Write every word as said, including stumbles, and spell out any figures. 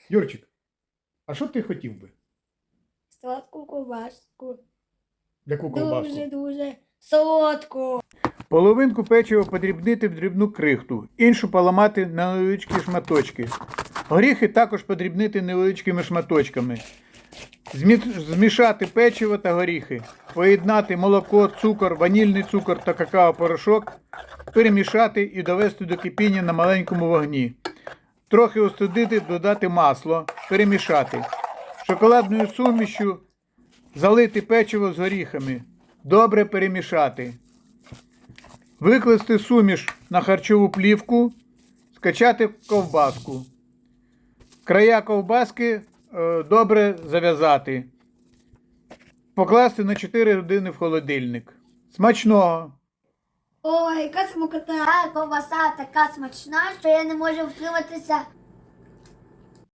Юрчик, а що б ти хотів би? Сладку ковбаску. Яку ковбаску? Дуже-дуже солодку. Половинку печива подрібнити в дрібну крихту, іншу поламати на невеличкі шматочки. Горіхи також подрібнити невеличкими шматочками. Змі- Змішати печиво та горіхи. Поєднати молоко, цукор, ванільний цукор та какао-порошок. Перемішати і довести до кипіння на маленькому вогні. Трохи остудити, додати масло. Перемішати. Шоколадною сумішю залити печиво з горіхами. Добре перемішати. Викласти суміш на харчову плівку, скачати ковбаску. Края ковбаски е, добре зав'язати. Покласти на чотири години в холодильник. Смачного! Ой, яка смакота. Та ковбаса така смачна, що я не можу втриматися